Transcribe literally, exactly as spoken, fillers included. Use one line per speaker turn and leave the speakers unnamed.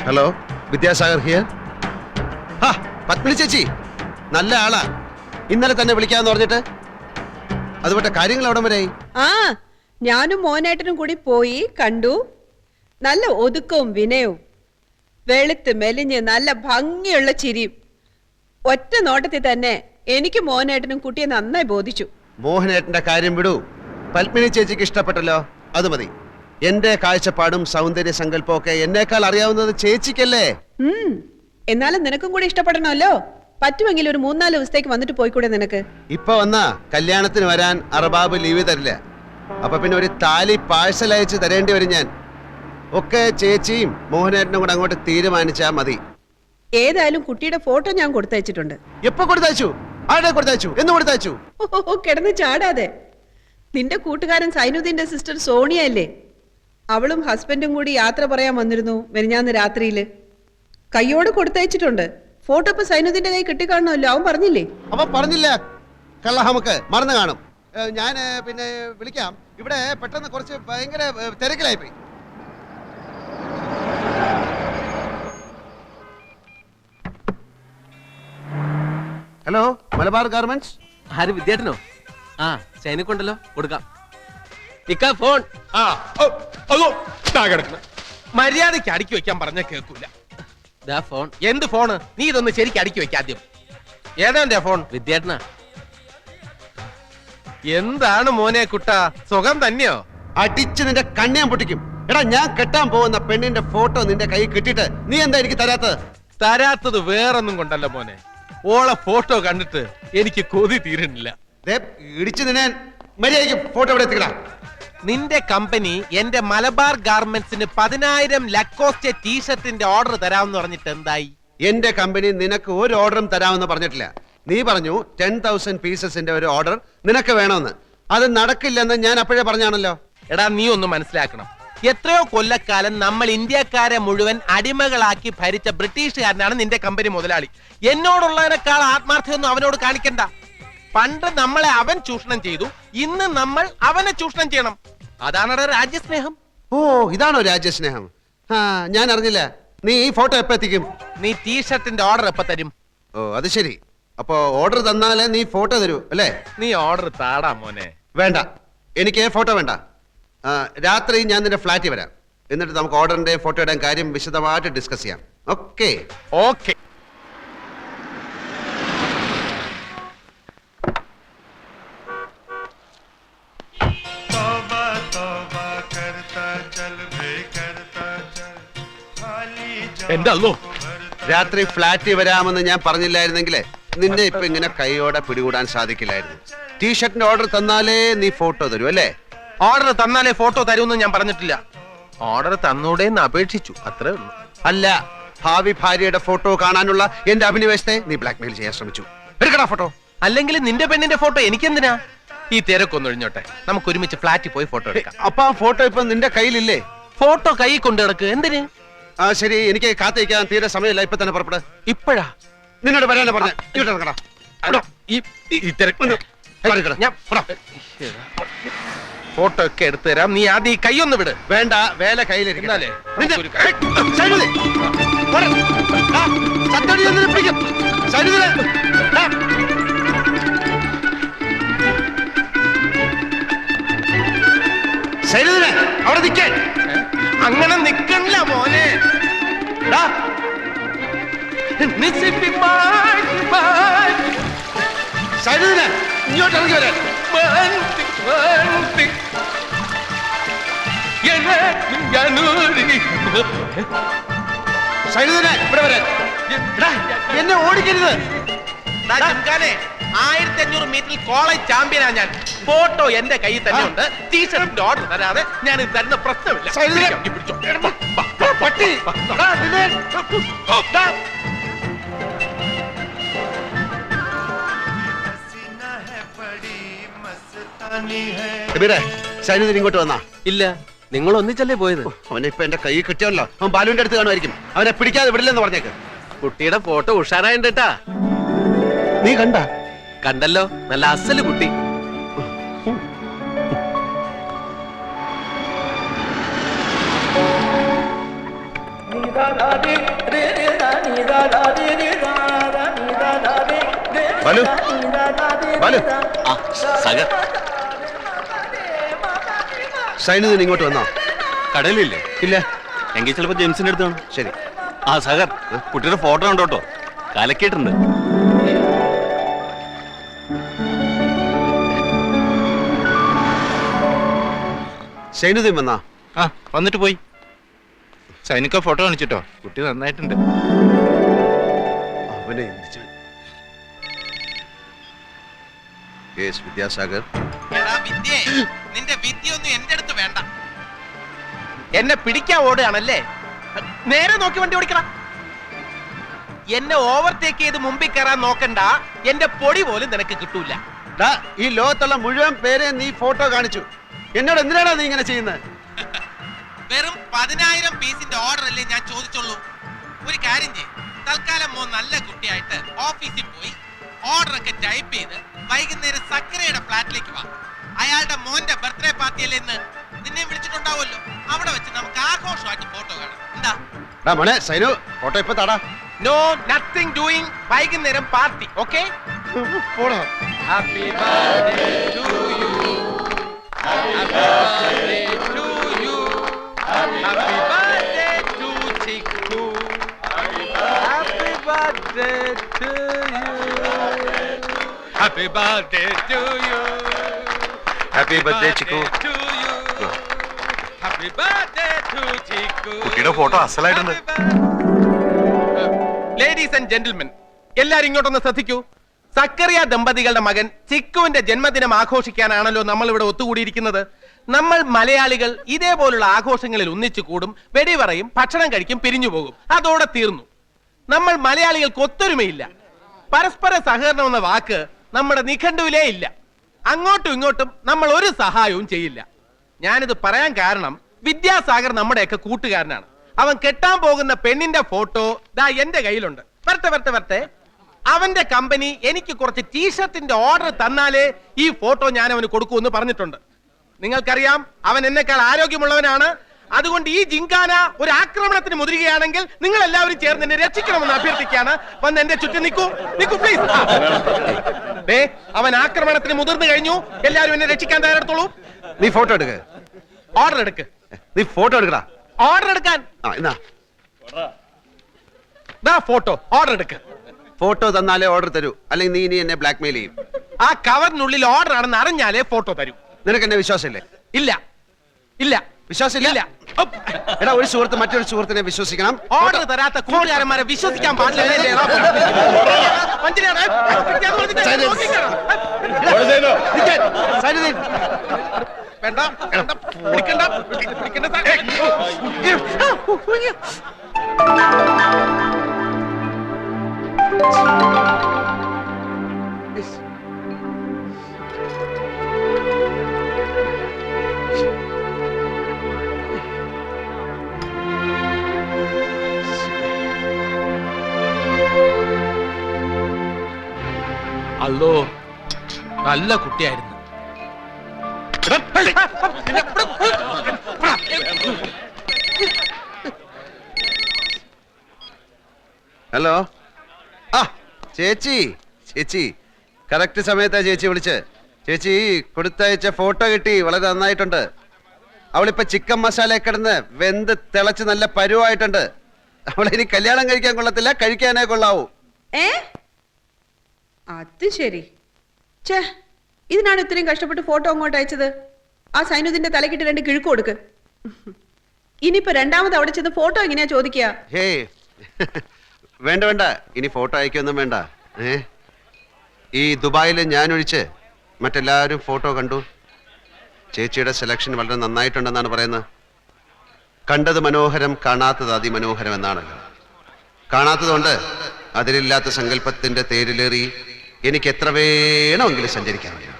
Hello, Vidyasagar here. ഹാ, പത്മിനി ചേച്ചി നല്ല ആളാ. ഇന്നലെ തന്നെ വിളിക്കാന്ന് പറഞ്ഞിട്ട് അതുപോലെ കാര്യങ്ങൾ എവിടം വരെയായി?
ആ, ഞാനും മോനേട്ടനും കൂടി പോയി കണ്ടു. നല്ല ഒതുക്കവും വിനയവും, വെളുത്ത് മെലിഞ്ഞ് നല്ല ഭംഗിയുള്ള ചിരിയും. ഒറ്റ നോട്ടത്തിൽ തന്നെ എനിക്ക് മോനേട്ടനും കുട്ടിയെ നന്നായി ബോധിച്ചു.
മോഹനേട്ടന്റെ കാര്യം വിടൂ. പത്മിനി ചേച്ചിക്ക് ഇഷ്ടപ്പെട്ടല്ലോ, അത് മതി. എന്റെ കാഴ്ചപ്പാടും സൗന്ദര്യ സങ്കല്പവും ഒക്കെ എന്നേക്കാൾ അറിയാവുന്നത് ചേച്ചിക്കല്ലേ?
ഉം എന്നാലും നിനക്കും കൂടി ഇഷ്ടപ്പെടണമല്ലോ. പറ്റുമെങ്കിൽ ഒരു മൂന്നാല് ദിവസത്തേക്ക് വന്നിട്ട് പോയിക്കൂടെ നിനക്ക്?
ഇപ്പൊ വന്നാ കല്യാണത്തിന് വരാൻ അറബാബ് ലീവ് തരില്ല. അപ്പൊ പിന്നെ ഒരു താലി പാഴ്സൽ അയച്ച് തരേണ്ടി വരും ഞാൻ. ഒക്കെ ചേച്ചിയും മോഹനേട്ടനും കൂടെ അങ്ങോട്ട് തീരുമാനിച്ചാ മതി.
ഏതായാലും കുട്ടിയുടെ ഫോട്ടോ ഞാൻ കൊടുത്തയച്ചിട്ടുണ്ട്.
എപ്പോ കൊടുത്തയച്ചു? ആരുടെ കൊടുത്തയച്ചു? എന്ന് കൊടുത്തയച്ചു?
ഓ, കിടന്ന് ചാടാതെ. നിന്റെ കൂട്ടുകാരൻ സൈനുദ്ദീന്റെ സിസ്റ്റർ സോണിയ അല്ലേ? അവളും ഹസ്ബൻഡും കൂടി യാത്ര പറയാൻ വന്നിരുന്നു മെനിഞ്ഞാന്ന് രാത്രിയില്. കയ്യോട് കൊടുത്തയച്ചിട്ടുണ്ട്. ഫോട്ടോ ഇപ്പൊ സൈനുദ്ദീന്റെ കൈ കിട്ടിക്കാണല്ലോ. അവൻ പറഞ്ഞില്ലേ?
അവൻ പറഞ്ഞില്ല. കള്ള നമുക്ക് മറന്നു കാണും. ഞാൻ പിന്നെ വിളിക്കാം. ഇവിടെ പെട്ടെന്ന് കുറച്ച് ഭയങ്കര തിരക്കിലായിപ്പോയി. Hello, Malabar garments.
ആര്? വിദ്യാർത്ഥനോ? ആ, ചൈനക്കുണ്ടല്ലോ, കൊടുക്കാം. ഇക്ക ഫോൺ.
ആ, അതോ കിടക്കുന്നു. മര്യാദയ്ക്ക് അടുക്കി വെക്കാൻ പറഞ്ഞ കേൾക്കൂല.
ദാ ഫോൺ.
എന്ത് ഫോണ്? നീ ഇതൊന്ന് ശരിക്കും അടുക്കി വെക്ക ആദ്യം. ഏതാ ഫോൺ?
വിദ്യാർത്ഥന.
എന്താണ് മോനെ കുട്ടാ, സുഖം തന്നെയോ?
അടിച്ച് നിന്റെ കണ്ണിയാൻ പൊട്ടിക്കും. എടാ, ഞാൻ കെട്ടാൻ പോകുന്ന പെണ്ണിന്റെ ഫോട്ടോ നിന്റെ കൈ കിട്ടിയിട്ട് നീ എന്താ എനിക്ക് തരാത്തത്?
തരാത്തത് വേറൊന്നും കൊണ്ടല്ല മോനെ, ഓളെ ഫോട്ടോ കണ്ടിട്ട് എനിക്ക് കൊതി തീരുന്നില്ല.
ഇടിച്ചു നിന്നെ മര്യാദയ്ക്ക് ഫോട്ടോ ഇവിടെ എത്തിക്കടാ.
നിന്റെ കമ്പനി എന്റെ മലബാർ ഗാർമെന്റ്സിന് പതിനായിരം ലക്കോസ്റ്റ് ടീഷർട്ടിന്റെ ഓർഡർ തരാമെന്ന് പറഞ്ഞിട്ട് എന്തായി?
എന്റെ കമ്പനി നിനക്ക് ഒരു ഓർഡറും തരാമെന്ന് പറഞ്ഞിട്ടില്ല. നീ പറഞ്ഞു ടെൻ തൗസൻഡ് പീസസിന്റെ ഒരു ഓർഡർ നിനക്ക് വേണമെന്ന്. അത് നടക്കില്ലെന്ന് ഞാൻ അപ്പോഴേ പറഞ്ഞാണല്ലോ.
എടാ, നീ ഒന്ന് മനസ്സിലാക്കണം. എത്രയോ കൊല്ലക്കാലം നമ്മൾ ഇന്ത്യക്കാരെ മുഴുവൻ അടിമകളാക്കി ഭരിച്ച ബ്രിട്ടീഷുകാരനാണ് നിന്റെ കമ്പനി മുതലാളി. എന്നോടുള്ളതിനേക്കാൾ ആത്മാർത്ഥ്യമൊന്നും അവനോട് കാണിക്കണ്ട. പണ്ട് നമ്മളെ അവൻ ചൂഷണം ചെയ്തു, ഇന്ന് നമ്മൾ അവനെ ചൂഷണം ചെയ്യണം. അതാണ് രാജ്യസ്നേഹം.
ഓ, ഇതാണോ രാജ്യസ്നേഹം? ആ, ഞാൻ അറിഞ്ഞില്ല. നീ ഈ ഫോട്ടോ എപ്പോ എത്തിക്കും?
നീ ടീഷർട്ടിന്റെ ഓർഡർ എപ്പോ തരും?
ഓ, അത് ശരി. അപ്പോ ഓർഡർ തന്നാലേ നീ ഫോട്ടോ തരൂ അല്ലേ?
നീ ഓർഡർ താടാ മോനെ.
വേണ്ട, എനിക്ക് ഫോട്ടോ വേണ്ട. രാത്രി ഞാൻ നിന്റെ ഫ്ലാറ്റിൽ വരാം. എന്നിട്ട് നമുക്ക് ഓർഡറിന്റെ ഫോട്ടോയുടെ കാര്യം വിശദമായിട്ട് ഡിസ്കസ് ചെയ്യാം. ഓക്കെ?
ഓക്കെ. എന്റെ അല്ലോ,
രാത്രി ഫ്ലാറ്റിൽ വരാമെന്ന് ഞാൻ പറഞ്ഞില്ലായിരുന്നെങ്കിലേ നിന്നെ ഇപ്പൊ ഇങ്ങനെ കൈയോടെ പിടികൂടാൻ സാധിക്കില്ലായിരുന്നു. ടീഷർട്ടിന്റെ ഓർഡർ തന്നാലേ നീ ഫോട്ടോ തരൂ അല്ലേ?
ഓർഡർ തന്നാലേ ഫോട്ടോ തരൂന്ന് ഞാൻ പറഞ്ഞിട്ടില്ല. ഓർഡർ തന്നൂടേന്ന് അപേക്ഷിച്ചു, അത്രേ ഉള്ളൂ.
അല്ല, ഭാവി ഭാര്യയുടെ ഫോട്ടോ കാണാനുള്ള എന്റെ അഭിനിവേശത്തെ നീ ബ്ലാക്ക്മെയിൽ ചെയ്യാൻ ശ്രമിച്ചു. എടുക്കടാ ഫോട്ടോ.
അല്ലെങ്കിൽ നിന്റെ പെണ്ണിന്റെ ഫോട്ടോ എനിക്കെന്തിനാ? ഈ തിരക്കൊന്നും ഒഴിഞ്ഞോട്ടെ, നമുക്ക് ഒരുമിച്ച് ഫ്ലാറ്റിൽ പോയി ഫോട്ടോ എടുക്കാം.
അപ്പൊ ആ ഫോട്ടോ ഇപ്പൊ നിന്റെ കയ്യിലില്ലേ?
ഫോട്ടോ കൈ കൊണ്ട് കിടക്ക്. എന്തിന്?
ആ, ശരി, എനിക്ക് കാത്തിരിക്കാൻ തീരെ സമയമില്ല. ഇപ്പൊ തന്നെ പുറപ്പെട്.
ഇപ്പഴാ?
നിന്നോട് വരാനാ പറഞ്ഞ. ഇങ്ങോട്ട്
ഫോട്ടോ ഒക്കെ എടുത്തു തരാം. നീ ആദ്യം ഈ കൈ ഒന്ന് വിട്.
വേണ്ട, വേല കയ്യിലിരിക്കുന്നാലേ. അവിടെ നിൽക്കാൻ.
അങ്ങനെ നിക്കണില്ല മോനെ.
ഇങ്ങോട്ട് ഇറങ്ങി വരാൻ. ഇവിടെ വരാൻ. എന്നെ ഓടിക്കരുത്.
ആയിരത്തി അഞ്ഞൂറ് മീറ്ററിൽ കോളേജ് ചാമ്പ്യനാ ഞാൻ. ഫോട്ടോ എന്റെ കയ്യിൽ തന്നെ ഉണ്ട്. ടീഷർട്ടിന്റെ ഓർഡർ തരാതെ ഞാൻ ഇത് തരുന്ന പ്രശ്നമില്ല.
സൈനുദ്ദീൻ ഇങ്ങോട്ട് വന്നാ?
ഇല്ല, നിങ്ങൾ ഒന്നിച്ചല്ലേ പോയത്?
അവനെ ഇപ്പൊ എന്റെ കൈ കിട്ടിയല്ലോ. അവൻ ബാലുവിന്റെ അടുത്ത് കാണുമായിരിക്കും. അവനെ പിടിക്കാതെ വിടില്ലെന്ന് പറഞ്ഞേക്ക്.
കുട്ടിയുടെ ഫോട്ടോ ഉഷാറായിട്ടാ.
നീ കണ്ട?
കണ്ടല്ലോ, നല്ല അസല് കുട്ടി.
നീതാ
ബാലു ബാലു
സഗർ
സൈനുദ്ദീൻ ഇങ്ങോട്ട് വന്നോ?
കടലില്ലേ?
ഇല്ല.
എങ്കിൽ ചിലപ്പോ ജെയിംസിന്റെ അടുത്താണ്.
ശരി.
ആ സഗർ, കുട്ടിയുടെ ഫോട്ടോ ഉണ്ടോ കേട്ടോ, കലക്കിയിട്ടുണ്ട്.
സൈനുദ്ദീൻ വന്നാ?
ആ വന്നിട്ട് പോയി. സൈനിക ഫോട്ടോ കാണിച്ചിട്ടോ, കുട്ടി നന്നായിട്ടുണ്ട്.
അവനെ എന്ത് ചെയ്യും? യെസ് വിദ്യാസാഗർ.
എടാ വിദ്യേ, നിന്റെ വിദ്യയൊന്നും എന്റെ അടുത്ത് വേണ്ട. എന്നെ പിടിക്കാൻ ഓടുകയാണല്ലേ? നേരെ നോക്കി വണ്ടി ഓടിക്കണം. എന്നെ ഓവർടേക്ക് ചെയ്ത് മുമ്പിൽ കയറാൻ നോക്കണ്ട. എന്റെ പൊടി പോലും നിനക്ക് കിട്ടൂല.
ഡാ, ഈ ലോകത്തുള്ള മുഴുവൻ പേരെ നീ ഫോട്ടോ കാണിച്ചു. എന്നോട് എന്തിനാണ് നീ ഇങ്ങനെ ചെയ്യുന്നത്?
വെറും പതിനായിരം പീസിന്റെ ഓർഡർ അല്ലേ ഞാൻ ചോദിച്ചുള്ളൂ. ഒരു കാര്യം ചെയ്യും, തൽക്കാലം മോ നല്ല കുട്ടിയായിട്ട് ഓഫീസിൽ പോയി ഓർഡർ ഒക്കെ ടൈപ്പ് ചെയ്ത് വൈകുന്നേരം സക്കരയുടെ ഫ്ലാറ്റിലേക്ക് വാ. അയാളുടെ മോന്റെ ബർത്ത്ഡേ പാർട്ടി അല്ലേ ഇന്ന്, നിന്നെ വിളിച്ചിട്ടുണ്ടാവുമല്ലോ. അവിടെ വെച്ച് നമുക്ക് ആഘോഷമായിട്ട് ഫോട്ടോ കാണാം. എന്താ?
ഡാ മോനെ സൈനു, ഫോട്ടോ ഇപ്പൊ താടാ.
No nothing doing. വൈകുന്നേരം പാർട്ടി. ഓക്കെ?
പോടാ.
Happy birthday to you. Happy birthday to you. Happy birthday to Chikku. Happy birthday to you. Happy birthday to you.
Happy birthday Chikku.
Happy birthday to Chikku.
കുട്ടിയുടെ photo അസലായിട്ടുണ്ട്.
Ladies and gentlemen, എല്ലാരും ഇങ്ങോട്ടൊന്ന് ശ്രദ്ധിക്കൂ. സക്കറിയ ദമ്പതികളുടെ മകൻ ചിക്കുവിന്റെ ജന്മദിനം ആഘോഷിക്കാനാണല്ലോ നമ്മൾ ഇവിടെ ഒത്തുകൂടിയിരിക്കുന്നത്. നമ്മൾ മലയാളികൾ ഇതേപോലുള്ള ആഘോഷങ്ങളിൽ ഒന്നിച്ചു കൂടും, വെടിപറയും, ഭക്ഷണം കഴിക്കും, പിരിഞ്ഞു പോകും. അതോടെ തീർന്നു. നമ്മൾ മലയാളികൾക്ക് ഒത്തൊരുമയില്ല. പരസ്പര സഹകരണം എന്ന വാക്ക് നമ്മുടെ നിഘണ്ടുവിലേ ഇല്ല. അങ്ങോട്ടും ഇങ്ങോട്ടും നമ്മൾ ഒരു സഹായവും ചെയ്യില്ല. ഞാനിത് പറയാൻ കാരണം വിദ്യാസാഗർ നമ്മുടെയൊക്കെ കൂട്ടുകാരനാണ്. അവൻ കെട്ടാൻ പോകുന്ന പെണ്ണിന്റെ ഫോട്ടോ ദാ എന്റെ കയ്യിലുണ്ട്. വരട്ടെ വരട്ടെ വരട്ടെ. അവന്റെ കമ്പനി എനിക്ക് കുറച്ച് ടീഷർട്ടിന്റെ ഓർഡർ തന്നാലേ ഈ ഫോട്ടോ ഞാൻ അവന് കൊടുക്കൂന്ന് പറഞ്ഞിട്ടുണ്ട്. നിങ്ങൾക്കറിയാം, അവൻ എന്നെക്കാൾ ആരോഗ്യമുള്ളവനാണ്. അതുകൊണ്ട് ഈ ജിങ്കാന ഒരു ആക്രമണത്തിന് മുതിരുകയാണെങ്കിൽ നിങ്ങൾ എല്ലാവരും ചേർന്ന് എന്നെ രക്ഷിക്കണമെന്ന് അഭ്യർത്ഥിക്കുകയാണ്. വന്ന് എന്റെ ചുറ്റും നിൽക്കൂ, നിൽക്കൂ പ്ലീസ്. അവൻ ആക്രമണത്തിന് മുതിർന്നു കഴിഞ്ഞു. എല്ലാവരും എന്നെ രക്ഷിക്കാൻ തയ്യാറെടുത്തോളൂ.
നീ ഫോട്ടോ എടുക്ക.
ഓർഡർ എടുക്ക്.
നീ ഫോട്ടോ എടുക്കടാ.
ഓർഡർ എടുക്കാൻ.
ആ എന്നാ
ദാ ഫോട്ടോ. ഓർഡർ എടുക്ക്.
ഫോട്ടോ തന്നാലേ ഓർഡർ തരൂ, അല്ലെങ്കിൽ നീ ഇനി എന്നെ ബ്ലാക്ക്മെയിൽ ചെയ്യും.
ആ കവറിനുള്ളിൽ ഓർഡർ ആണെന്ന് അറിഞ്ഞാലേ ഫോട്ടോ തരൂ.
നിനക്ക് എന്നെ വിശ്വാസമില്ലേ?
ഇല്ല ഇല്ല
വിശ്വാസമില്ല.
ഇല്ല.
എടാ, ഒരു സുഹൃത്ത് മറ്റൊരു സുഹൃത്തിനെ വിശ്വസിക്കണം.
ഓർഡർ തരാത്ത കൂട്ടുകാരന്മാരെ വിശ്വസിക്കാൻ പാടില്ല.
സൈനുദ്ദീൻ,
വേണ്ട വേണ്ട, പിടിക്കണ്ട, പിടിക്കണ്ട. അല്ലോ, നല്ല കുട്ടിയായിരുന്നു.
ഹലോ. ആ ചേച്ചി, ചേച്ചി കറക്റ്റ് സമയത്താ ചേച്ചി വിളിച്ച്. ചേച്ചി കൊടുത്തയച്ച ഫോട്ടോ കിട്ടി, വളരെ നന്നായിട്ടുണ്ട്. അവളിപ്പോ ചിക്കൻ മസാല കിടന്ന് വെന്ത് തിളച്ച് നല്ല പരുവായിട്ടുണ്ട്. അവളിനി കല്യാണം കഴിക്കാൻ കൊള്ളത്തില്ല, കഴിക്കാനേ കൊള്ളാവൂ.
ഏ അത് ശരി. ഛേ, ഇതിനാണ് ഇത്രയും കഷ്ടപ്പെട്ട് ഫോട്ടോ അങ്ങോട്ട് അയച്ചത്. ആ സൈനുദ്ദീന്റെ തലക്കിട്ട് രണ്ട് കിഴുക്ക് കൊടുക്ക്. ഇനിയിപ്പോ രണ്ടാമത് അവിടെ ചെന്ന് ഫോട്ടോ എങ്ങനെയാ ചോദിക്കുക?
ഹേ വേണ്ട വേണ്ട, ഇനി ഫോട്ടോ അയക്കൊന്നും വേണ്ട. ഏ ഈ ദുബായിൽ ഞാൻ ഒഴിച്ച് മറ്റെല്ലാവരും ഫോട്ടോ കണ്ടു. ചേച്ചിയുടെ സെലക്ഷൻ വളരെ നന്നായിട്ടുണ്ടെന്നാണ് പറയുന്നത്. കണ്ടത് മനോഹരം, കാണാത്തത് അതിമനോഹരം എന്നാണല്ലോ. കാണാത്തതുകൊണ്ട് അതിലില്ലാത്ത സങ്കല്പത്തിന്റെ തേരിലേറി എനിക്ക് എത്ര വേണമെങ്കിലും സഞ്ചരിക്കാൻ.